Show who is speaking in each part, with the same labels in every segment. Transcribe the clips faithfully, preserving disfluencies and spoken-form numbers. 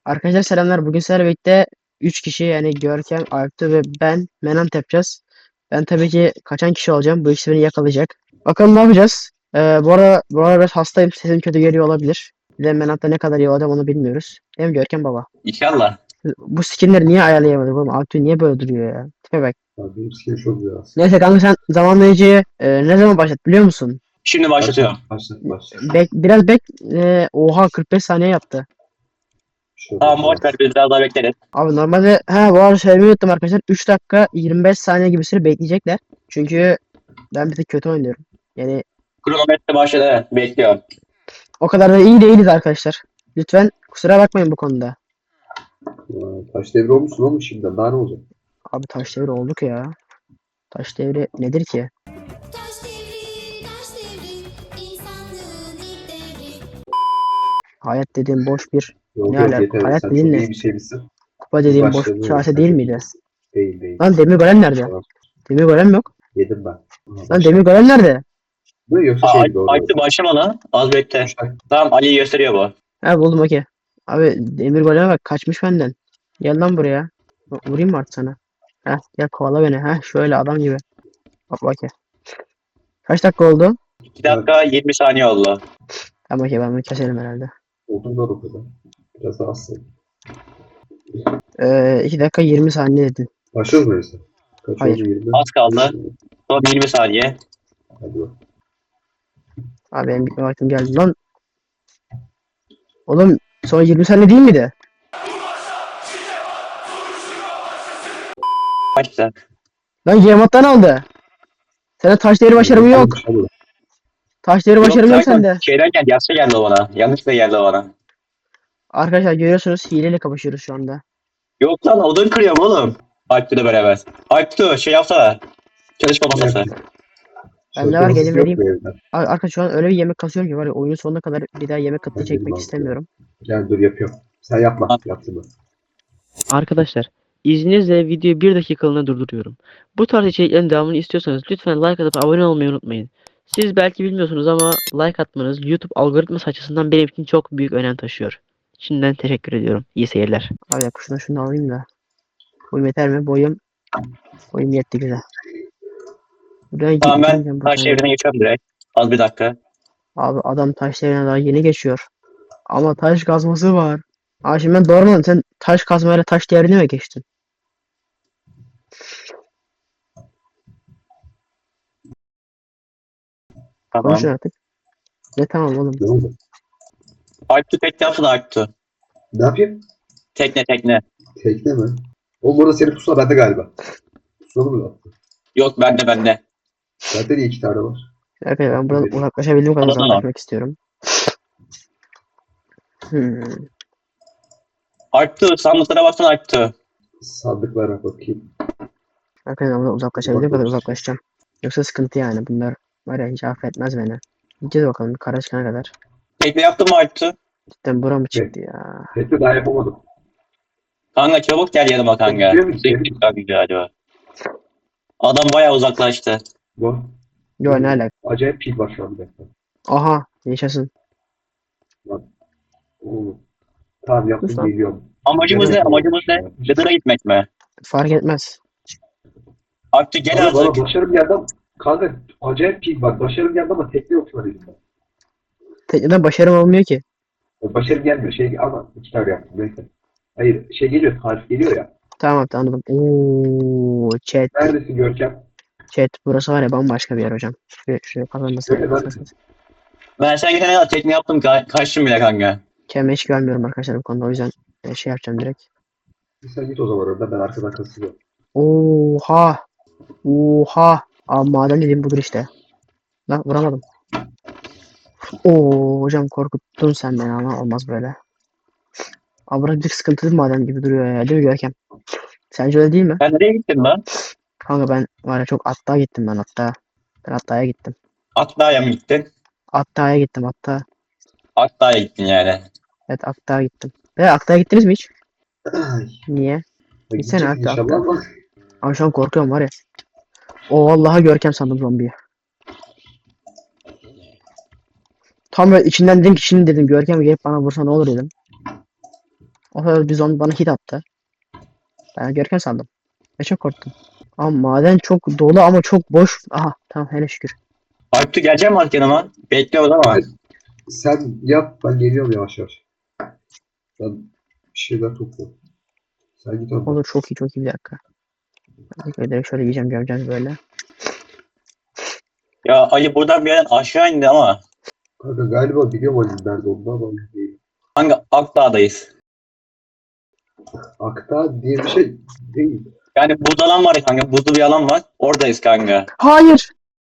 Speaker 1: Arkadaşlar selamlar. Bugün sizlerle birlikte üç kişi yani Görkem, Alptu ve ben Menant yapacağız. Ben tabii ki kaçan kişi olacağım. Bu ikisi beni yakalayacak. Bakalım ne yapacağız? Ee, bu arada, bu arada biraz hastayım. Sesim kötü geliyor olabilir. Bir de Menant'ta ne kadar iyi olacağım onu bilmiyoruz. Değil mi Görkem baba?
Speaker 2: İnşallah.
Speaker 1: Bu skinleri niye ayarlayamadık oğlum? Alptu niye böyle duruyor ya? Tipe bak.
Speaker 3: Abi benim skin çok biraz.
Speaker 1: Neyse kanka sen zamanlayıcıyı e, ne zaman başlat biliyor musun?
Speaker 2: Şimdi başlatıyorum.
Speaker 3: Başlat başlat.
Speaker 1: Bek, biraz bek. E, oha kırk beş saniye yaptı.
Speaker 3: Şöyle
Speaker 2: Tamam boş ver, biz biraz daha bekleriz.
Speaker 1: Abi normalde ha bu arada söylemeyi unuttum arkadaşlar. üç dakika yirmi beş saniye gibi süre bekleyecekler. Çünkü ben bir tık kötü oynuyorum. Yani
Speaker 2: Kronometre başladı, evet, bekliyorum.
Speaker 1: o kadar da iyi değiliz arkadaşlar. Lütfen kusura bakmayın bu konuda.
Speaker 3: Aa, taş devri olmuşsun oğlum şimdiden. Daha ne olacak?
Speaker 1: Abi taş devri olduk ya. Taş devri nedir ki?
Speaker 4: Taş devri, taş devri, insanlığın ilk devri.
Speaker 1: Hayat dediğim boş bir
Speaker 3: Yok
Speaker 1: ne
Speaker 3: yok
Speaker 1: alaka?
Speaker 3: yeter.
Speaker 1: Hayat
Speaker 3: Sen
Speaker 1: dediğin
Speaker 3: çok
Speaker 1: ne?
Speaker 3: iyi bir şey misin?
Speaker 1: Kupa
Speaker 3: Biz
Speaker 1: dediğim boş
Speaker 3: başladı.
Speaker 1: bir kase
Speaker 3: Sen
Speaker 1: değil
Speaker 3: çok
Speaker 1: miydi?
Speaker 3: iyisin. Değil değil.
Speaker 1: Lan demir golem nerede?
Speaker 3: Tamam.
Speaker 1: Demir golem yok.
Speaker 3: Yedim ben. Aa,
Speaker 1: Lan
Speaker 3: başla.
Speaker 1: demir golem nerede?
Speaker 3: Bu yoksa
Speaker 2: Aa,
Speaker 3: şey doğru.
Speaker 2: Aykut'u başlama lan. Az bekle.
Speaker 3: Üç dakika.
Speaker 2: Tamam, Ali'yi gösteriyor bu.
Speaker 1: Ha buldum okey. Abi demir goleme bak kaçmış benden. Gel lan buraya. Vurayım mı artık sana? Heh gel kovala beni. Heh şöyle adam gibi. Bak okey. Kaç dakika oldu?
Speaker 2: iki dakika yirmi saniye oldu.
Speaker 1: Tamam okey ben bunu keselim herhalde.
Speaker 3: Oldum da o kadar. Biraz daha az sayın.
Speaker 1: Ee, iki dakika yirmi saniye dedin.
Speaker 3: Başlıyoruz mu öyleyse? Kaç
Speaker 1: Hayır.
Speaker 3: oldu? yirmi.
Speaker 2: Az kaldı. Son yirmi saniye.
Speaker 3: Hadi bak.
Speaker 1: Abi benim bitme vaktim geldi lan. Oğlum son yirmi saniye değil miydi?
Speaker 2: Başla.
Speaker 1: Lan Yemat'tan aldı. Senin taş değeri başarımı yok.
Speaker 3: Hadi.
Speaker 1: Taş değeri
Speaker 2: Yok,
Speaker 1: başarım yok
Speaker 2: zaten
Speaker 1: sende.
Speaker 2: şeyden geldi, yaşta geldi o bana. Yanlışlıkla geldi o bana.
Speaker 1: Arkadaşlar görüyorsunuz hileyle kapışıyoruz şu anda.
Speaker 2: Yok lan, odun kırıyorum oğlum. Aykut'la beraber. Aykut'u şey yapsana. Çalışma masası.
Speaker 1: Ben ne var gelin
Speaker 3: yok
Speaker 1: vereyim.
Speaker 3: mu evde?
Speaker 1: Ar- Arkadaş şu an öyle bir yemek kasıyorum ki var ya oyunun sonuna kadar bir daha yemek kıtlığı
Speaker 3: Hadi
Speaker 1: çekmek
Speaker 3: bakalım.
Speaker 1: istemiyorum.
Speaker 3: Gel dur yapıyorum. Sen yapma. Yaptın mı?
Speaker 5: Arkadaşlar, izninizle videoyu bir dakikalığına durduruyorum. Bu tarz içeriklerin devamını istiyorsanız lütfen like atıp abone olmayı unutmayın. Siz belki bilmiyorsunuz ama like atmanız YouTube algoritması açısından benim için çok büyük önem taşıyor. Şimdiden teşekkür ediyorum. İyi seyirler.
Speaker 1: Abi ya şunu şunu alayım da. Boyum yeter mi? Boyum. Boyum yetti güzel. Buradan
Speaker 2: Tamam, ben
Speaker 1: gideceğim
Speaker 2: taş
Speaker 1: buradan.
Speaker 2: devrine geçiyorum direkt. Az bir dakika.
Speaker 1: Abi adam taş devrine daha yeni geçiyor. Ama taş kazması var. Abi şimdi ben doğru sen taş kazmayla taş devrine mi geçtin?
Speaker 2: Tamam.
Speaker 1: Konuşun artık. Ne tamam oğlum.
Speaker 3: Ne oldu?
Speaker 2: Aykut'u tekne yapsana Aykut'u.
Speaker 3: Ne yapayım?
Speaker 2: Tekne tekne.
Speaker 3: Tekne mi? Oğlum burada senin pusula bende galiba. Pusula mı attı?
Speaker 2: Yok, bende bende.
Speaker 3: Zaten iyi iki tane var.
Speaker 1: Okay, ben buradan uzaklaşabildiğim kadar
Speaker 2: Tamam.
Speaker 1: uzaklaşmak istiyorum. Hmm.
Speaker 2: Aykut'u sandıklara baksana Aykut'u.
Speaker 3: Sandıklara bakayım.
Speaker 1: Arkadaşlar buradan uzaklaşabildiğim kadar
Speaker 3: Bakıyoruz.
Speaker 1: uzaklaşacağım. Yoksa sıkıntı yani bunlar var ya hiç affetmez beni. Gideceğiz bakalım bir kara çıkana kadar.
Speaker 2: Tekne yaptın mı Aykut'u?
Speaker 1: Cidden bura mı çıktı ya?
Speaker 3: Tekne daha yapamadım.
Speaker 2: Kanka çabuk gel yanıma kanka.
Speaker 3: Gidiyor musun?
Speaker 2: Bekliyor kanka galiba. Adam bayağı uzaklaştı.
Speaker 3: Bu.
Speaker 1: Yo ne alaka?
Speaker 3: Acayip pil var şu an bir dakika.
Speaker 1: Aha yaşasın.
Speaker 3: Oğlum. Tamam yaptım
Speaker 1: Lütfen.
Speaker 3: geliyorum.
Speaker 2: Amacımız ne?
Speaker 3: Gene-
Speaker 2: Amacımız ne? Nether'a gitmek mi?
Speaker 1: Fark etmez.
Speaker 2: Aykut'u gel
Speaker 3: Bana, bana
Speaker 2: azıcık.
Speaker 3: başarım geldi ama kanka acayip pil var. Başarım geldi ama tekne yok şu an elimde.
Speaker 1: Tekneden başarım olmuyor ki.
Speaker 3: Başarım gelmiyor. Şey ama iki tane yaptım. Neyse. Hayır şey geliyor. Tarif geliyor ya.
Speaker 1: Tamam anladım. Oo, chat.
Speaker 3: Neredesin Görkem?
Speaker 1: Chat burası var ya bambaşka bir yer hocam. Şuraya, şuraya kazanması.
Speaker 3: Öyle ben-
Speaker 2: Ben sen gidene kadar tekne yaptım, ka kaçtım bile kanka.
Speaker 1: Kendime hiç güvenmiyorum arkadaşlar bu konuda o yüzden e, şey yapacağım direkt.
Speaker 3: Sen git o zaman orada ben arkadan kasılıyorum.
Speaker 1: Oha. Oha. Abi maden dediğim budur işte. Lan vuramadım. Oo hocam korkuttun sen beni ama olmaz böyle. Abi burası bir sıkıntılı bir maden gibi duruyor ya değil mi Görkem? Sence öyle değil mi?
Speaker 2: Sen nereye gittin lan?
Speaker 1: Kanka ben var ya çok Atta'ya gittim ben hatta. Ben Atta'ya gittim.
Speaker 2: Akdağ'a mı gittin?
Speaker 1: Atta'ya gittim hatta.
Speaker 2: Akdağ'a gittin yani.
Speaker 1: Evet Atta'ya gittim. Ve Atta'ya gittiniz mi hiç?
Speaker 3: Ay.
Speaker 1: Niye? Gitsene
Speaker 3: Gidecek
Speaker 1: hatta,
Speaker 3: inşallah
Speaker 1: hatta.
Speaker 3: ama.
Speaker 1: Abi şu an korkuyorum var ya. O vallahi Görkem sandım zombiyi. Tam böyle içinden dedim ki şimdi dedim Görkem gelip bana vursa ne olur dedim. O kadar bir zombi bana hit attı. Ben Görkem sandım. Ve çok korktum. Ama maden çok dolu ama çok boş. Aha tamam hele şükür.
Speaker 2: Alptu gelecek mi artık yanıma? Bekliyoruz ama.
Speaker 3: Sen yap, ben geliyorum yavaş yavaş. Ben bir şeyler topluyorum. Sen git orada.
Speaker 1: Olur çok iyi çok iyi bir dakika. Ben direkt şöyle yiyeceğim gömeceğim böyle.
Speaker 2: Ya Ali buradan bir yerden aşağı indi ama.
Speaker 3: Kanka galiba biliyorum Ali'nin nerede olduğunu ama emin değilim.
Speaker 2: Hangi Akdağ'dayız?
Speaker 3: Akta diye bir şey değil.
Speaker 2: Yani buzda alan var ya kanka. Buzlu bir alan var. Oradayız kanka.
Speaker 1: Hayır.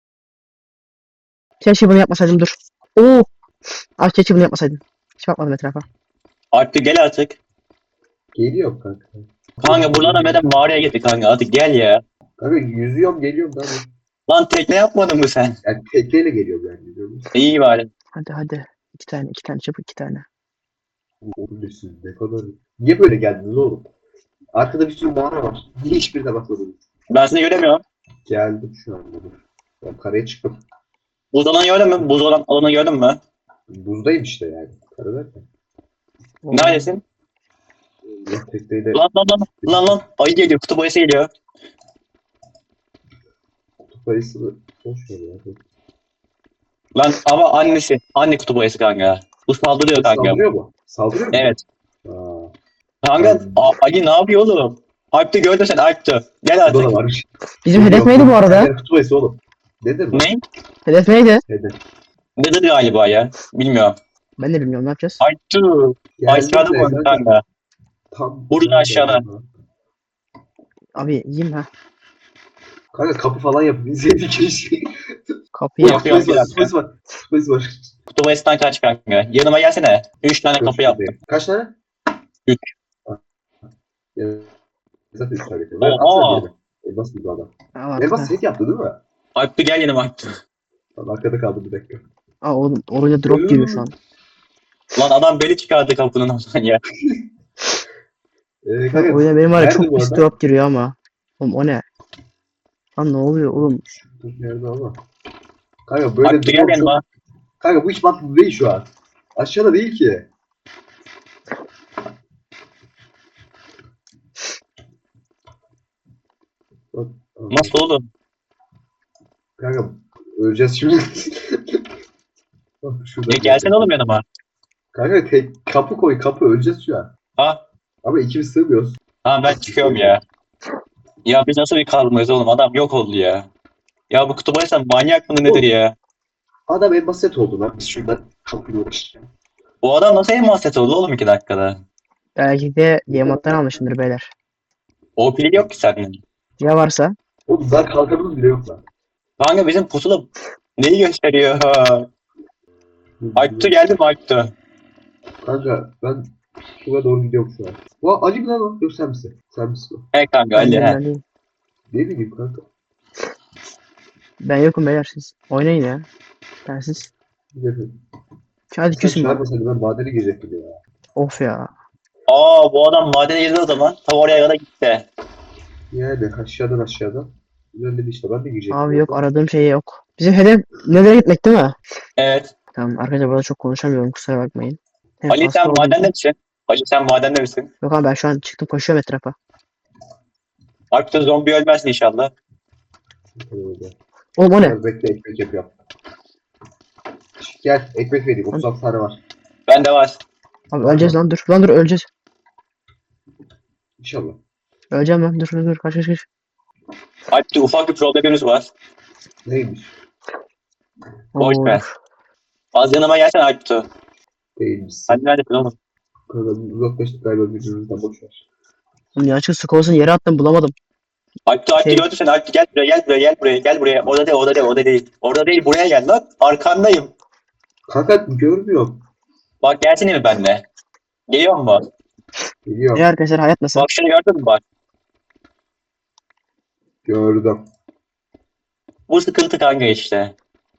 Speaker 1: Keşke bunu yapmasaydım dur. Oo. Ay keşke bunu yapmasaydım. Hiç bakmadım etrafa.
Speaker 2: Alptu gel artık.
Speaker 3: Geliyorum kanka.
Speaker 2: Kanka buradan neden mağaraya gittik kanka. Artık gel ya.
Speaker 3: Kanka yüzüyorum geliyorum ben.
Speaker 2: Lan tekne yapmadın mı sen?
Speaker 3: Yani tekneyle geliyorum yani. Biliyorum.
Speaker 2: İyi bari.
Speaker 1: Hadi hadi. İki tane iki tane çabuk iki tane.
Speaker 3: Oğlum siz ne kadar... Niye böyle geldiniz oğlum? Arkada bir sürü mağara var. Niye hiçbirine bakmadınız?
Speaker 2: Ben seni göremiyorum.
Speaker 3: Geldim şu anda. Dur. Ben karaya çıktım.
Speaker 2: Buz alanı gördün mü? Buz olan alanı gördün mü?
Speaker 3: Buzdayım işte yani. Kara derken.
Speaker 1: Oo.
Speaker 2: Neredesin?
Speaker 3: Ya tekneyle
Speaker 2: Lan lan lan. Lan lan. Ayı geliyor. Kutup ayısı geliyor.
Speaker 3: kutup ayısını boş ver ya.
Speaker 2: Lan ama annesi. Anne kutup ayısı kanka. Bu saldırıyor kanka.
Speaker 3: Saldırıyor mu? Saldırıyor mu?
Speaker 2: Evet.
Speaker 3: Aa,
Speaker 2: Kanka A- Ali ne yapıyor oğlum? Alp'te gördün sen Alp'te. Gel
Speaker 3: bu da
Speaker 2: artık.
Speaker 3: varmış.
Speaker 1: Bizim hedef neydi bu arada?
Speaker 3: Yani kutup ayısı oğlum. Nedir bu?
Speaker 2: Ne?
Speaker 1: Hedef neydi?
Speaker 3: Hedef.
Speaker 2: Nedir galiba ya? Bilmiyorum.
Speaker 1: Ben de bilmiyorum ne yapacağız.
Speaker 2: Alp'te. Aşağıda
Speaker 3: de
Speaker 2: mı
Speaker 3: kanka,
Speaker 2: kanka?
Speaker 3: Tam
Speaker 2: Burada aşağıda.
Speaker 1: Abi yiyeyim ha.
Speaker 3: Kanka kapı falan yapıp izledik keşke.
Speaker 1: Kapıyı
Speaker 2: Yap.
Speaker 1: yap.
Speaker 3: Kutup ayısı
Speaker 2: bir
Speaker 3: var.
Speaker 2: dakika.
Speaker 3: Kutup ayısı var. Kutup ayısı var.
Speaker 2: Kutup ayısından kaç kanka. Yanıma gelsene. Üç tane kapı yaptım.
Speaker 3: Kaç tane?
Speaker 2: Üç.
Speaker 3: Ha. Ya, zaten üç tane.
Speaker 2: Oha.
Speaker 3: Atsana birine. Elmas gibi adam.
Speaker 1: Aa,
Speaker 3: Elmas set yaptı değil mi?
Speaker 2: Alp'te gel yanıma Alp'te.
Speaker 3: Tamam, arkada kaldı bir dakika.
Speaker 1: Aa oğlum oraya drop giriyor şu an.
Speaker 2: Lan adam beni çıkardı kapının oradan ya.
Speaker 3: Ee, kanka,
Speaker 1: Oyuna benim var ya
Speaker 3: nerede
Speaker 1: çok
Speaker 3: bu
Speaker 1: pis
Speaker 3: arada?
Speaker 1: drop giriyor ama. Oğlum o ne? Lan ne oluyor oğlum?
Speaker 3: Dur, nerede ama? Kanka böyle
Speaker 2: Alp'te gel
Speaker 3: drop çok...
Speaker 2: yanıma.
Speaker 3: Kanka bu hiç mantıklı değil şu an. Aşağıda değil ki. Bak,
Speaker 2: Nasıl oğlum?
Speaker 3: kanka öleceğiz şimdi. Bak, şurada
Speaker 2: Ya gelsene oğlum yanıma.
Speaker 3: Kanka tek kapı koy kapı öleceğiz şu an.
Speaker 2: Ha?
Speaker 3: Ama ikimiz sığmıyoruz.
Speaker 2: Tamam ben çıkıyorum ya. Ya biz nasıl bir kalmayız oğlum? Adam yok oldu ya. Ya bu kutup ayısı manyak mı nedir ya?
Speaker 3: Adam en basit oldu lan. Biz şuradan kapıyı uğraşacağız.
Speaker 2: Bu adam nasıl en mahset oldu oğlum iki dakikada?
Speaker 1: Belki de yemattan almışımdır beyler.
Speaker 2: O pili yok ki sende.
Speaker 1: Ya varsa?
Speaker 3: Oğlum daha kalkanımız bile yok lan.
Speaker 2: Kanka bizim pusula neyi gösteriyor? Alptu geldi mi Alptu?
Speaker 3: Kanka ben şuraya doğru gidiyorum şu an. Ulan Ali mi lan o? Yok sen misin? Sen misin o?
Speaker 2: He kanka Ali
Speaker 1: Ben,
Speaker 2: he.
Speaker 1: ben, değilim.
Speaker 3: Ne bileyim kanka.
Speaker 1: Ben yokum beyler siz. Oynayın ya. Ben siz.
Speaker 3: Bilmiyorum.
Speaker 1: Hadi
Speaker 3: Sen
Speaker 1: küsün bana.
Speaker 3: çağırmasaydın ben madene girecektim ya.
Speaker 1: Of ya.
Speaker 2: Aa bu adam madene girdi o zaman. Tam oraya kadar gitti.
Speaker 3: Yani aşağıdan aşağıdan. İlerledi işte ben de girecektim.
Speaker 1: Abi yok aradığım şey yok. Bizim hedef nereye gitmek değil mi?
Speaker 2: Evet.
Speaker 1: Tamam arkadaşlar burada çok konuşamıyorum kusura bakmayın. Hem
Speaker 2: Ali
Speaker 1: hasta
Speaker 2: sen
Speaker 1: olduğum
Speaker 2: madende
Speaker 1: için-
Speaker 2: misin? Ali sen madende misin?
Speaker 1: Yok abi ben şu an çıktım koşuyorum etrafa.
Speaker 2: Alptu zombi ölmezsin inşallah.
Speaker 1: Oğlum o ne?
Speaker 3: Gel, bekle ekmek yapıyorum. Gel ekmek vereyim. otuz altı tane var.
Speaker 2: Bende var.
Speaker 1: Abi öleceğiz lan dur. Lan dur öleceğiz.
Speaker 3: İnşallah.
Speaker 1: Öleceğim lan dur dur dur kaç kaç kaç.
Speaker 2: Alptu ufak bir problemimiz var.
Speaker 3: Neymiş?
Speaker 2: Boş
Speaker 1: Oo,
Speaker 2: ver.
Speaker 1: dur.
Speaker 2: Az yanıma gelsene Alptu.
Speaker 3: Değilmişsin.
Speaker 2: Sen neredesin oğlum?
Speaker 3: Kanka uzaklaştık galiba birbirimizden boş ver.
Speaker 1: Oğlum ya açık sıkı olsun yere attım bulamadım.
Speaker 2: Alptu Alptu
Speaker 1: Şey-
Speaker 2: gördün sen Alptu gel buraya gel buraya gel buraya gel buraya. Orada değil orada değil orada değil. Orada değil buraya gel lan. Arkandayım.
Speaker 3: Kanka görmüyorum.
Speaker 2: Bak gelsene mi benimle? Geliyor mu?
Speaker 3: Geliyorum.
Speaker 1: Ya arkadaşlar hayat nasıl?
Speaker 2: Bak şunu gördün mü bak.
Speaker 3: Gördüm.
Speaker 2: Bu sıkıntı kanka işte.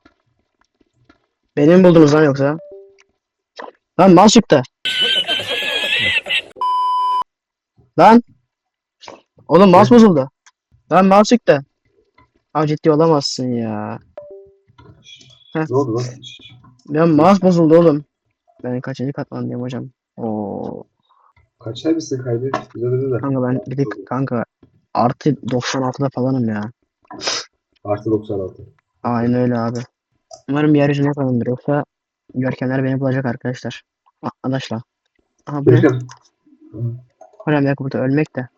Speaker 1: Beni mi buldunuz lan yoksa? Lan mal çıktı. Lan. Oğlum mouse bozuldu. Lan mouse çıktı. Abi ciddi olamazsın ya. Heh.
Speaker 3: Ne oldu lan?
Speaker 1: Ya mouse bozuldu oğlum. Ben kaçıncı katman diyeyim hocam. Oo.
Speaker 3: Kaçar mısın kaybet? Bize de de.
Speaker 1: Kanka ben bir de kanka artı doksan altıda falanım ya.
Speaker 3: Artı doksan altı.
Speaker 1: Aynen öyle abi. Umarım yeryüzüne yapalımdır yoksa görkemler beni bulacak arkadaşlar. Arkadaşlar. Aha bu ne?
Speaker 3: Görkem.
Speaker 1: Önemli yok burada ölmek de.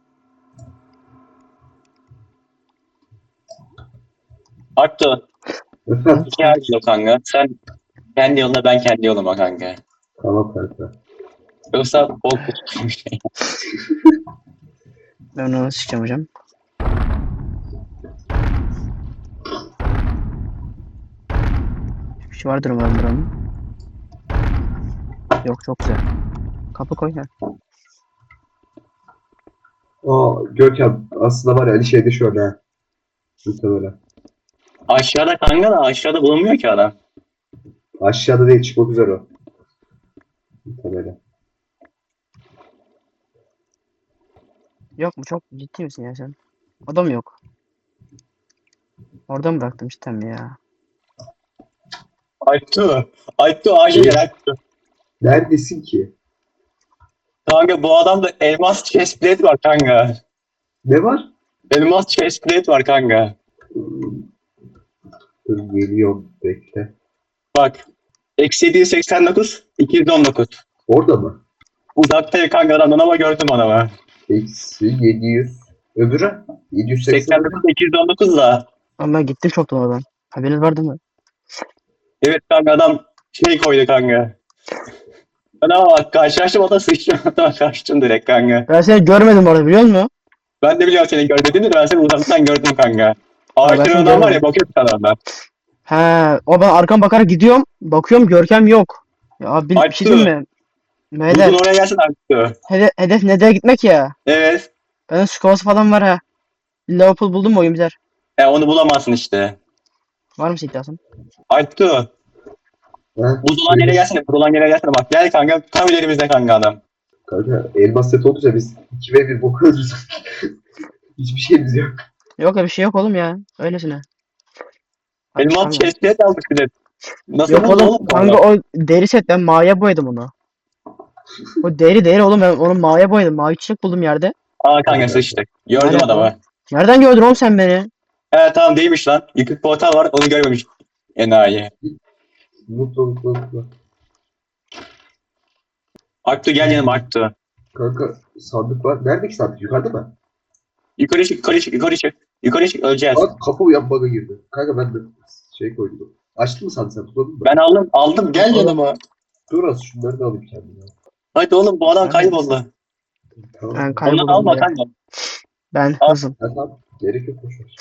Speaker 2: Aktu.
Speaker 3: Efendim?
Speaker 2: İki yer yok kanka. Sen kendi yoluna, ben kendi yoluma kanka.
Speaker 3: Tamam kanka.
Speaker 2: Yoksa bol kutu bir şey.
Speaker 1: Ben onu sıçacağım hocam. Bir şey vardır umarım buranın. Yok çok güzel. Kapı koy ya.
Speaker 3: Aa Görkem aslında var ya Ali şeyde şöyle ha. Muhtemelen.
Speaker 2: Aşağıda kanka da aşağıda bulunmuyor ki adam.
Speaker 3: Aşağıda değil çıkmak üzere o. Muhtemelen.
Speaker 1: Yok mu çok ciddi misin ya sen? Adam yok. Orada mı bıraktım cidden mi ya?
Speaker 2: Aktu. Aktu acil gel Aktu.
Speaker 3: Neredesin ki?
Speaker 2: Kanka bu adamda elmas chestplate var kanka.
Speaker 3: Ne var?
Speaker 2: Elmas chestplate var kanka.
Speaker 3: Hmm, Dur geliyorum bekle.
Speaker 2: Bak. Eksi yedi yüz seksen dokuz, iki yüz on dokuz.
Speaker 3: Orada mı?
Speaker 2: Uzakta kanka adamdan ama gördüm adamı.
Speaker 3: Eksi yedi yüz. Öbürü? yedi yüz seksen.
Speaker 2: seksen dokuz, iki yüz on dokuz da.
Speaker 1: Ama ben gittim çoktan oradan. Haberiniz var değil mi?
Speaker 2: Evet kanka adam şey koydu kanka. Ben ama bak karşılaştım o da sıçtım. Adama kaçtım direkt kanka.
Speaker 1: Ben seni görmedim orada biliyor musun?
Speaker 2: Ben de biliyorum seni gördüğünü de ben seni uzaktan gördüm kanka.
Speaker 1: ben
Speaker 2: Ağaçların
Speaker 1: seni
Speaker 2: adam var
Speaker 1: görmedim.
Speaker 2: ya bakıyor sana adam.
Speaker 1: He, o ben arkam bakarak gidiyorum. Bakıyorum görkem yok. Ya bir, bir şey diyeyim mi? Beyler
Speaker 2: Bugün oraya gelsin Aktu.
Speaker 1: hedef, hedef nereye gitmek ya?
Speaker 2: Evet.
Speaker 1: Benim su kovası falan var ha. Liverpool buldum mu oyun biter.
Speaker 2: E onu bulamazsın işte.
Speaker 1: Var mı iddiasın?
Speaker 2: Aktu.
Speaker 3: Ha?
Speaker 2: Buz olan yere gelsene. Buz olan yere gelsene bak. Gel kanka. Tam ilerimizde kanka adam.
Speaker 3: Kanka elmas set olunca biz iki ve bir boku öldürürüz. Hiçbir şeyimiz yok.
Speaker 1: Yok ya bir şey yok oğlum ya. Öylesine. Hadi
Speaker 2: Elmas
Speaker 1: çıkalım.
Speaker 2: chestplate aldık bir de. Nasıl
Speaker 1: Yok
Speaker 2: buldu
Speaker 1: oğlum
Speaker 2: oğlum?
Speaker 1: kanka o deri set ben maviye boyadım onu. O deri deri oğlum ben onu maviye boyadım. Mavi çiçek buldum yerde.
Speaker 2: Aa kanka sıçtık. Gördüm
Speaker 1: Nerede
Speaker 2: adamı.
Speaker 1: Nereden gördün oğlum sen beni?
Speaker 2: He tamam değilmiş lan. Yıkık portal var onu görmemiş. Enayi.
Speaker 3: Mutlu mutlu mutlu.
Speaker 2: Aktu gel yanıma Aktu.
Speaker 3: Kanka sandık var. Neredeki sandık? Yukarıda mı?
Speaker 2: Yukarı çık yukarı çık yukarı çık. Yukarı çık öleceğiz.
Speaker 3: Bak kapı uyan bug'a girdi. Kanka ben de şey koydum. Açtın mı sandık sen tutmadın mı?
Speaker 2: Ben aldım aldım gel yanıma.
Speaker 3: Dur az şunları da alayım kendime.
Speaker 2: Hadi oğlum bu adam
Speaker 1: Ben-
Speaker 2: kayboldu.
Speaker 3: Tamam.
Speaker 1: Ben
Speaker 2: Ondan
Speaker 1: kayboldum
Speaker 2: alma
Speaker 1: buraya.
Speaker 2: kanka.
Speaker 1: Ben
Speaker 2: Al.
Speaker 1: hızım.
Speaker 3: Ha, tamam. Gerek yok boşver.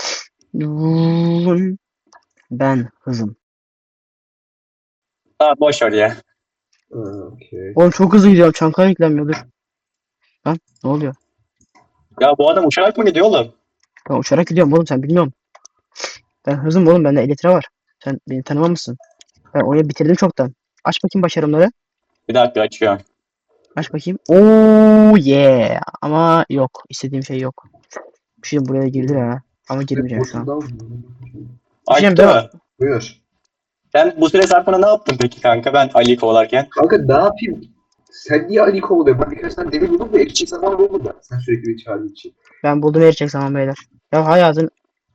Speaker 1: Ben hızım.
Speaker 2: Tamam boş ver ya.
Speaker 3: Ha, okey.
Speaker 1: Oğlum çok hızlı gidiyorum. Çankaya yüklenmiyor dur. Lan ne oluyor?
Speaker 2: Ya bu adam uçarak mı gidiyor oğlum?
Speaker 1: Ben uçarak gidiyorum oğlum sen bilmiyorum. Ben hızım oğlum bende elitre var. Sen beni tanımamışsın. Ben oyunu bitirdim çoktan. Aç bakayım başarımları.
Speaker 2: Bir dakika açıyorum.
Speaker 1: Aç bakayım. Oo yeah. Ama yok. İstediğim şey yok. Bir şey buraya girdi ha. Ama girmeyeceğim şu an.
Speaker 3: Boşundan-
Speaker 1: Diyeceğim,
Speaker 2: Aktu.
Speaker 3: Buyur.
Speaker 2: Sen bu süre zarfında ne yaptın peki kanka ben Ali'yi kovalarken?
Speaker 3: Kanka ne yapayım? Sen niye Ali kovalıyorsun? Ben birkaç tane demir buldum da ekşi zaman buldum ben. Sen sürekli beni çağırdığın için.
Speaker 1: Ben buldum erecek zaman beyler. Ya hayatın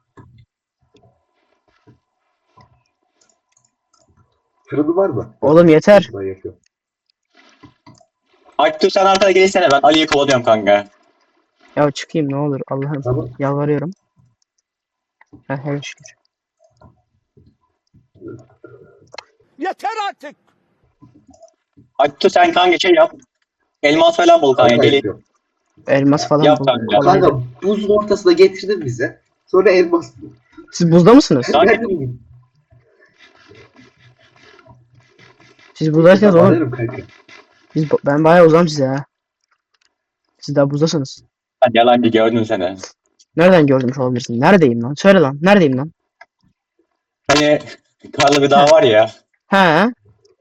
Speaker 3: Fırını var mı?
Speaker 1: oğlum yeter.
Speaker 3: Ben yapıyorum.
Speaker 2: Aktu sen arkada gelsene ben Ali'yi kovalıyorum kanka.
Speaker 1: Ya çıkayım ne olur Allah'ım.
Speaker 3: Tamam.
Speaker 1: Yalvarıyorum. Ha, her şükür.
Speaker 6: Yeter artık.
Speaker 2: Aktu sen kanka şey yap. Elmas falan bul kanka
Speaker 3: Kanka
Speaker 2: gelin.
Speaker 3: yapıyorum.
Speaker 1: Elmas falan
Speaker 2: Yap
Speaker 1: buldum.
Speaker 2: kanka.
Speaker 1: Kolay değil.
Speaker 3: Kanka buzun ortasına getirdin bize. Sonra elmas.
Speaker 1: Siz buzda mısınız?
Speaker 2: Kanka-
Speaker 3: Nerede buldun?
Speaker 1: Siz buzdaysanız oğlum.
Speaker 3: Alırım kanka.
Speaker 1: Biz, ben bayağı uzam size ha. Siz daha buzdasınız.
Speaker 2: Hadi yalancı gördüm seni.
Speaker 1: Nereden görmüş olabilirsin? Neredeyim lan? Söyle lan. Neredeyim lan?
Speaker 2: Hani karlı bir dağ var ya.
Speaker 1: He.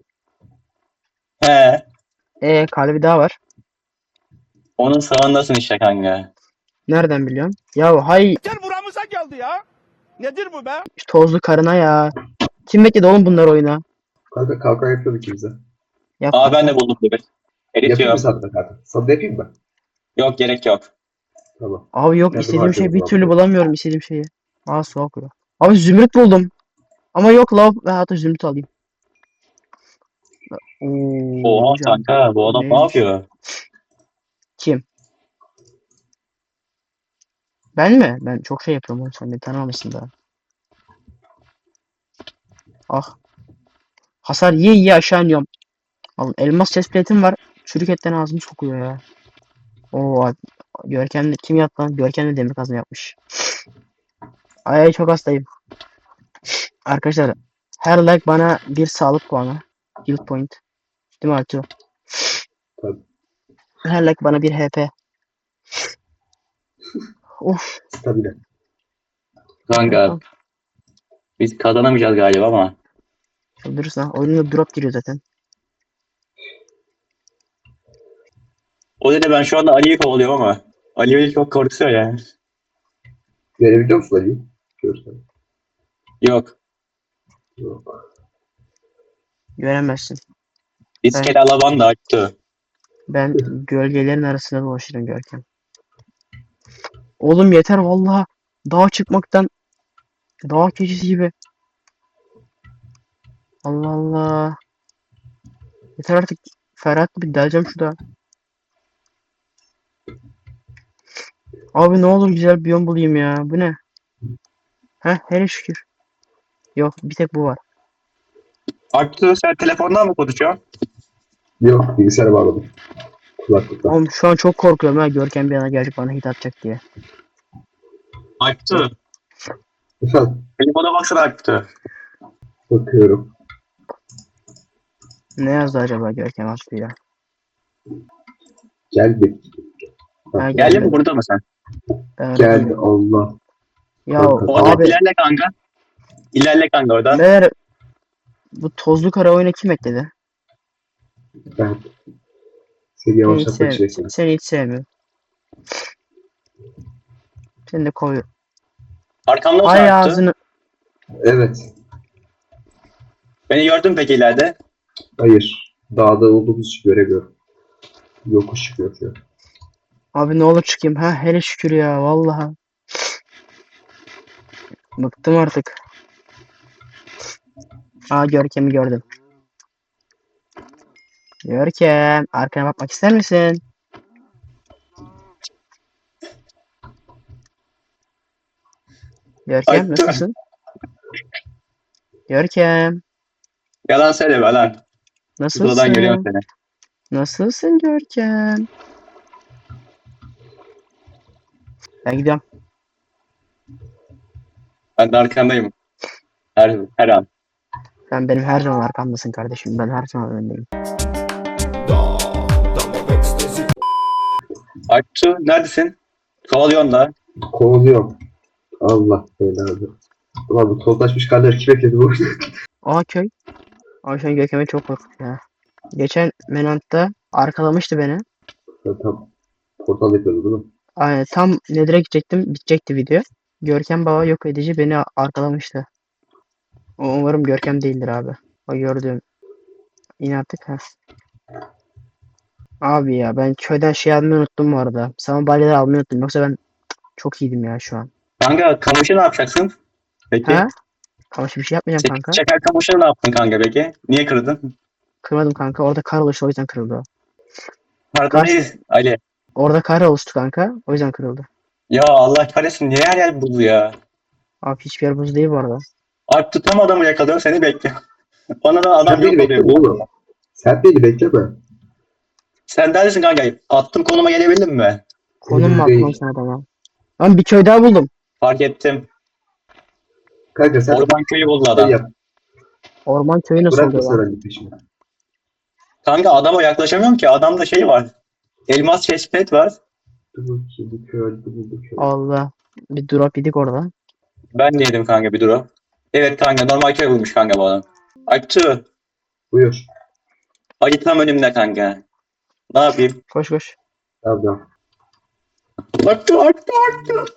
Speaker 2: He.
Speaker 1: E kalbi daha var.
Speaker 2: Onun sağındasın işte kanka.
Speaker 1: Nereden biliyorum? Ya hay
Speaker 6: Yeter buramıza geldi ya. Nedir bu be?
Speaker 1: tozlu karına ya. Kim bekledi oğlum bunlar oyuna?
Speaker 3: Kanka kalkan yapıyorduk bize.
Speaker 1: Yap.
Speaker 2: Aa ben de buldum bir.
Speaker 3: Yapayım mı
Speaker 2: Eritiyorum.
Speaker 3: sana da kartı? Sana da yapayım mı?
Speaker 2: Yok gerek yok.
Speaker 3: Tamam.
Speaker 1: Abi yok
Speaker 3: Nerede
Speaker 1: istediğim şey
Speaker 3: harcıyoruz
Speaker 1: bir
Speaker 3: abi?
Speaker 1: türlü bulamıyorum istediğim şeyi. Aa su akıyor. Abi zümrüt buldum. Ama yok lav ve hatta zümrüt alayım. Oo
Speaker 2: Oha
Speaker 1: hocam.
Speaker 2: kanka bu adam ne
Speaker 1: Neymiş?
Speaker 2: yapıyor?
Speaker 1: Kim? Ben mi? Ben çok şey yapıyorum oğlum sen beni tanımamışsın daha. Ah. Hasar yiye yiye aşağı iniyorum. Al, elmas chestplate'im var. Çürük etten ağzım sokuyor ya. Oo abi. Görkem de kim yaptı lan? Görkem de demir kazma yapmış. Ay ay, çok hastayım. Arkadaşlar her like bana bir sağlık puanı. Health point. Değil mi Artu?
Speaker 3: Tabii.
Speaker 1: Her like bana bir H P. Of.
Speaker 3: Stabile.
Speaker 2: Kanka biz kazanamayacağız galiba ama.
Speaker 1: Çıldırırsın ha. Oyunda drop giriyor zaten.
Speaker 2: O yüzden ben şu anda Ali'yi kovalıyorum ama. Ali beni çok korkutuyor yani.
Speaker 3: Görebiliyor musun Ali'yi? Görsen.
Speaker 2: Yok.
Speaker 3: Yok.
Speaker 1: Göremezsin.
Speaker 2: İskele alaban da açtı.
Speaker 1: Ben gölgelerin arasında dolaşırım Görkem. Oğlum yeter vallahi. Dağa çıkmaktan dağ keçisi gibi. Allah Allah. Yeter artık. Ferhat bir deleceğim şu dağa. Abi ne olur güzel bir biyom bulayım ya. Bu ne? Heh hele şükür. Yok bir tek bu var.
Speaker 2: Açtı sen telefondan mı konuşuyorsun?
Speaker 3: Yok. Bilgisayara bağladım. Kulaklıkla.
Speaker 1: Oğlum şu an çok korkuyorum ha. Görkem bir yana gelecek bana hit atacak diye.
Speaker 2: Açtı.
Speaker 3: Efendim.
Speaker 2: Telefona baksana açtı.
Speaker 3: Bakıyorum.
Speaker 1: Ne yazdı acaba Görkem attı ya?
Speaker 3: Gel bir.
Speaker 1: Ha,
Speaker 2: Geldin
Speaker 1: geldi.
Speaker 2: mi burada mı sen?
Speaker 1: Ben öyle
Speaker 3: Geldi
Speaker 1: değilim.
Speaker 3: Allah.
Speaker 1: Ya
Speaker 3: Kanka,
Speaker 2: Oradan
Speaker 1: abi
Speaker 2: ilerle kanka. İlerle kanka oradan.
Speaker 1: meğer bu tozlu kara oyuna kim ekledi?
Speaker 3: Ben seni
Speaker 1: Seni hiç,
Speaker 3: yavaşlatmak
Speaker 1: sev
Speaker 3: için ekledim.
Speaker 1: seni hiç sevmiyorum. Seni de kovuyorum.
Speaker 2: Arkamda mı
Speaker 1: Hay
Speaker 2: açtı?
Speaker 1: ağzını.
Speaker 3: Evet.
Speaker 2: Beni gördün peki ileride.
Speaker 3: Hayır. Dağda olduğumuz için göremiyorum. Yokuş çıkıyor şu an.
Speaker 1: Abi ne olur çıkayım. Ha hele şükür ya vallahi. Bıktım artık. Aa Görkem'i gördüm. Görkem arkana bakmak ister misin? Görkem
Speaker 2: Ay,
Speaker 1: nasılsın? Görkem
Speaker 2: Yalan söyleme lan. Sıkıladan görüyorum
Speaker 1: nasılsın?
Speaker 2: seni.
Speaker 1: Nasılsın Görkem? Ben gidiyorum.
Speaker 2: Ben de arkandayım. Her, her an.
Speaker 1: Sen benim her zaman arkamdasın kardeşim. Ben her zaman önündeyim.
Speaker 2: Açtı neredesin? Kovalıyorsun da.
Speaker 3: Kovalıyorum. Allah belanı. Ulan bu tozlaşmış karlar kim ekledi bu?
Speaker 1: Aa köy. Aa şu an Görkem'e çok korkuttu ya. Geçen Menant'ta arkalamıştı beni.
Speaker 3: Sen tam portal yapıyordu değil mi?
Speaker 1: Ay, tam Nether'a gidecektim. Bitecekti video. Görkem baba yok edici beni arkalamıştı. O umarım Görkem değildir abi. O gördüğüm. İn artık ha. Abi ya ben köyden şey almayı unuttum bu arada. Saman balyaları almayı unuttum. Yoksa ben çok iyiydim ya şu an.
Speaker 2: Kanka kamışı ne yapacaksın? Peki.
Speaker 1: Ha? Ama şimdi bir şey yapmayacağım
Speaker 2: Çek,
Speaker 1: kanka.
Speaker 2: çeker kamışı ne yaptın kanka peki? Niye kırdın?
Speaker 1: Kırmadım kanka. Orada kar oluştu o yüzden kırıldı o.
Speaker 2: Pardon
Speaker 1: Kars-
Speaker 2: değil. Ali.
Speaker 1: Orada kar oluştu kanka. O yüzden kırıldı.
Speaker 2: Ya Allah kahretsin niye her yer buz ya?
Speaker 1: Abi hiçbir yer buz değil bu arada.
Speaker 2: Alp tutam adamı yakalıyor seni bekliyor. Bana da adam
Speaker 3: Sen beni
Speaker 2: yok
Speaker 3: bekleme
Speaker 2: oluyor.
Speaker 3: oğlum. Sen beni bekleme.
Speaker 2: Sen neredesin kanka? Attım konuma gelebildin mi?
Speaker 1: Konum mu
Speaker 3: Değil.
Speaker 1: attın sen adama? Lan bir köy daha buldum.
Speaker 2: Fark ettim.
Speaker 3: Kanka sen
Speaker 2: Orman köyü buldu
Speaker 3: şey
Speaker 2: adam.
Speaker 3: yap.
Speaker 1: Orman köyü nasıl
Speaker 3: Bırakma
Speaker 1: oluyor lan?
Speaker 3: sen Ali peşimi.
Speaker 2: Kanka adama yaklaşamıyorum ki. Adamda şey var. Elmas chestplate var.
Speaker 3: Dur bakayım bu köy öldü bu köy.
Speaker 1: Allah. Bir drop yedik orada.
Speaker 2: Ben de yedim kanka bir duru. Evet kanka normal köy bulmuş kanka bu adam. Açtı.
Speaker 3: Buyur.
Speaker 2: Acı tam önümde kanka. Ne yapayım?
Speaker 1: Koş koş.
Speaker 3: Tamam tamam.
Speaker 2: Açtı açtı açtı.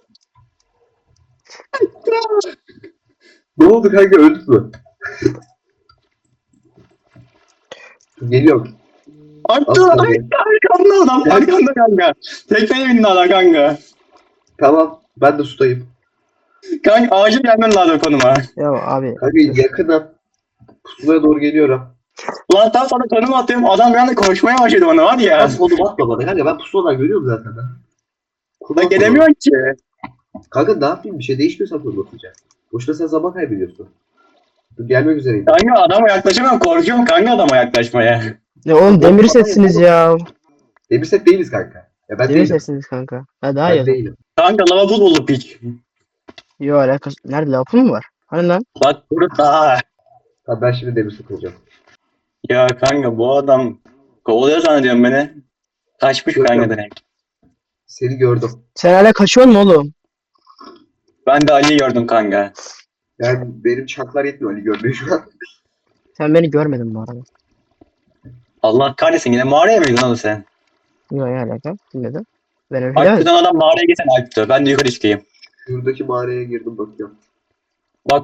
Speaker 3: Ne oldu kanka öldün mü? Geliyorum.
Speaker 2: Attı
Speaker 3: Asla
Speaker 2: lan.
Speaker 3: değil.
Speaker 2: Arkanda adam. Arkanda kanka. Tekneye bindi adam kanka.
Speaker 3: Tamam. Ben de sudayım.
Speaker 2: Kanka acil gelmen lazım konuma.
Speaker 1: Ya abi.
Speaker 3: Kanka yakınım. Pusulaya doğru geliyorum.
Speaker 2: Lan tam sana konum atıyorum. Adam bir anda koşmaya başladı bana var ya.
Speaker 3: Ben konum atma bana kanka. Ben pusuladan görüyorum zaten. Ben. Konum
Speaker 2: Ben
Speaker 3: atma
Speaker 2: gelemiyorum ki.
Speaker 3: bana. Kanka ne yapayım? Bir şey değişmiyorsa konum atacağım. Boşuna sen zaman kaybediyorsun. Dur, gelmek üzereyim.
Speaker 2: Kanka adama yaklaşamam. Korkuyorum kanka adama yaklaşmaya.
Speaker 1: Ne oğlum demir setsiniz ya.
Speaker 3: Demir set değiliz kanka. Ya ben
Speaker 1: Demir
Speaker 3: değilim.
Speaker 1: setsiniz kanka. Ha daha
Speaker 3: Ben
Speaker 1: iyi. o zaman.
Speaker 3: değilim.
Speaker 2: Kanka lava bul bulduk hiç.
Speaker 1: Yo alakası. Nerede lapın mı var? Hani lan?
Speaker 2: Bak burada.
Speaker 3: Tamam ben şimdi demir set olacağım.
Speaker 2: Ya kanka bu adam kovalıyor zannediyorum beni. Kaçmış
Speaker 3: Yok,
Speaker 2: kanka
Speaker 3: yok.
Speaker 2: direkt.
Speaker 3: Seni gördüm.
Speaker 1: Sen hala kaçıyorsun mu oğlum?
Speaker 2: Ben de Ali'yi gördüm kanka.
Speaker 3: Yani benim çaklar yetmiyor Ali görmeye şu an.
Speaker 1: Sen beni görmedin bu arada.
Speaker 2: Allah kahretsin yine mağaraya mıydın oğlum sen?
Speaker 1: Yo ya alaka. Bilmedim. Ben öyle
Speaker 2: Bak
Speaker 1: demedim.
Speaker 2: buradan adam mağaraya gitsen Alp'tü. Ben de yukarı çıkayım.
Speaker 3: Şuradaki mağaraya girdim bakıyorum.
Speaker 2: Bak.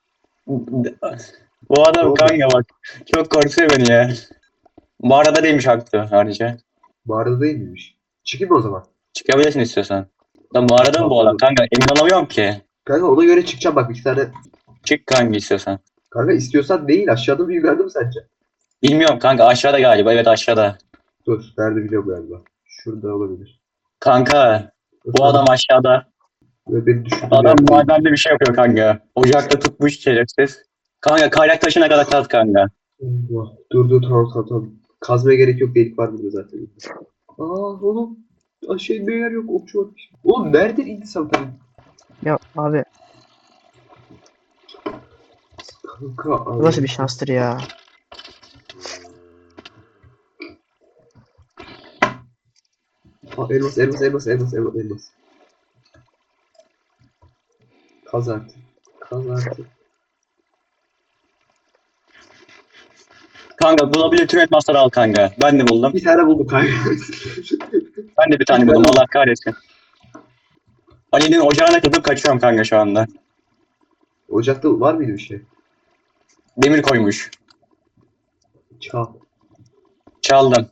Speaker 2: Bu adam
Speaker 3: Oldu.
Speaker 2: kanka bak. Çok korkutuyor beni ya. Mağarada değilmiş Alp'tü ayrıca.
Speaker 3: Mağarada değil miymiş? Çıkayım mı o zaman?
Speaker 2: Çıkabilirsin istiyorsan. Lan mağarada mı bu adam kanka? Emin olamıyorum ki.
Speaker 3: Kanka ona göre çıkacağım bak iki tane.
Speaker 2: Çık kanka istiyorsan.
Speaker 3: Kanka istiyorsan değil aşağıda mı yukarıda mı sence?
Speaker 2: Bilmiyorum kanka aşağıda galiba. Evet aşağıda.
Speaker 3: Dur nerede biliyorum galiba. Şurada olabilir.
Speaker 2: Kanka bu adam aşağıda.
Speaker 3: Ve beni düşürdü.
Speaker 2: Adam madende bir şey yapıyor kanka. Ocakta tutmuş şerefsiz. Kanka kaynak taşına kadar kaz kanka.
Speaker 3: Allah. Dur dur tamam tamam tamam. Kazmaya gerek yok delik var burada zaten. Aa oğlum. Aşağı inmeye yer yok okçu var. Oğlum nereden indi sen tabii?
Speaker 1: Ya abi
Speaker 3: Kanka
Speaker 1: bu nasıl bir şanstır ya.
Speaker 3: Aa, elmas elmas elmas elmas elmas elmas. Kaz artık. Kaz artık.
Speaker 2: Kanka bulabilir tüm elmasları al kanka. Ben de buldum.
Speaker 3: Bir tane buldum kanka.
Speaker 2: Ben de bir tane buldum. Allah kahretsin. Ali'nin ocağına kızıp kaçıyorum kanka şu anda.
Speaker 3: Ocakta var mıydı bir şey?
Speaker 2: Demir koymuş.
Speaker 3: Çal.
Speaker 2: Çaldım.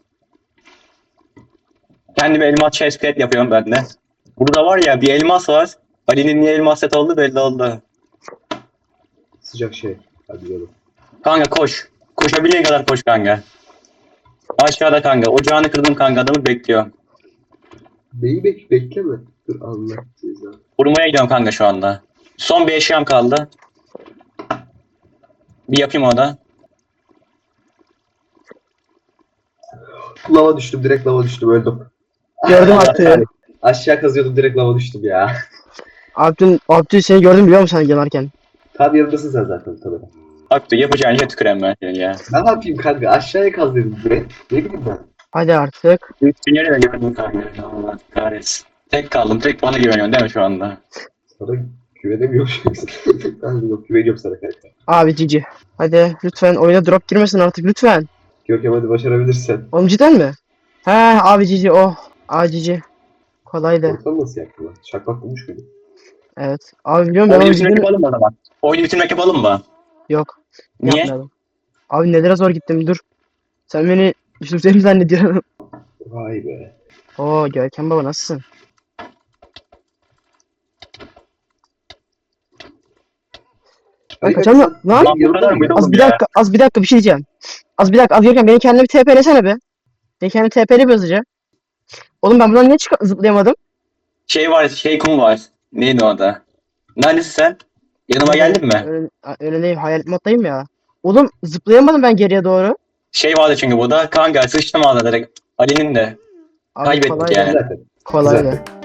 Speaker 2: Kendime elmas chestplate yapıyorum ben de. Burada var ya bir elmas var. Ali'nin niye elmas set oldu belli oldu.
Speaker 3: Sıcak şey. Hadi gidelim.
Speaker 2: Kanka koş. Koşabildiğin kadar koş kanka. Aşağıda kanka. Ocağını kırdım kanka. Adamı bekliyor.
Speaker 3: Neyi bek bekleme. Dur Allah ceza.
Speaker 2: Vurmaya gidiyorum kanka şu anda. Son bir eşyam kaldı. Bir yapayım o da.
Speaker 3: Lava düştüm direkt lava düştüm öldüm.
Speaker 1: Gördüm Abdü.
Speaker 3: Aşağı kazıyordum direkt lava düştüm ya.
Speaker 1: Abdü, Abdü seni gördüm biliyor musun sen yanarken?
Speaker 3: Tam yanındasın sen zaten tabii.
Speaker 2: Bak yapacağın şey tükürem ben seni ya.
Speaker 3: Ne yapayım kanka aşağıya kaz dedim direkt. Ne bileyim ben.
Speaker 1: Hadi artık.
Speaker 2: Dünyayı da gördüm kanka. Allah kahretsin. Tek kaldım. Tek bana güveniyorsun değil mi şu anda?
Speaker 3: Sana güvenemiyorum. Ben yok güveniyorum sana kanka.
Speaker 1: Abi cici. Hadi lütfen oyuna drop girmesin artık lütfen.
Speaker 3: Görkem hadi başarabilirsen.
Speaker 1: Oğlum cidden mi? He abi cici oh. Abi cici. Kolaydı.
Speaker 3: Ortam nasıl yaptın lan? Şakmak bulmuş muydun?
Speaker 1: Evet. Abi biliyorum ben
Speaker 2: Oyunu
Speaker 1: onu
Speaker 2: bitirmek
Speaker 1: cidden...
Speaker 2: yapalım mı o zaman? Oyunu bitirmek yapalım mı?
Speaker 1: Yok.
Speaker 2: Niye?
Speaker 1: Yapmayalım. Abi nelere zor gittim dur. Sen beni Yusuf mi zannediyorsun?
Speaker 3: Vay be.
Speaker 1: Oo Görkem baba nasılsın? Ben
Speaker 3: Ali,
Speaker 1: kaçamıyorum.
Speaker 3: sen-
Speaker 1: Lan!
Speaker 2: Lan bu kadar mıydı
Speaker 1: Az
Speaker 2: oğlum
Speaker 1: bir
Speaker 2: ya?
Speaker 1: dakika, az bir dakika bir şey diyeceğim. Az bir dakika, az Görkem beni kendine bir TP'lesene be. Beni kendine TP'le bir hızlıca. Oğlum ben buradan niye çık zıplayamadım?
Speaker 2: Şey var, şey kum var. Neydi o da? Neredesin sen? Yanıma geldin mi?
Speaker 1: Öyle, öyle değil, hayalet moddayım ya. Oğlum zıplayamadım ben geriye doğru.
Speaker 2: Şey vardı çünkü bu da. Kanka sıçtım ağzına direkt. Ali'nin de.
Speaker 1: Abi
Speaker 2: Kaybettik
Speaker 1: kolaydı.
Speaker 2: yani.
Speaker 3: Zaten.
Speaker 1: Kolaydı.
Speaker 3: Zaten.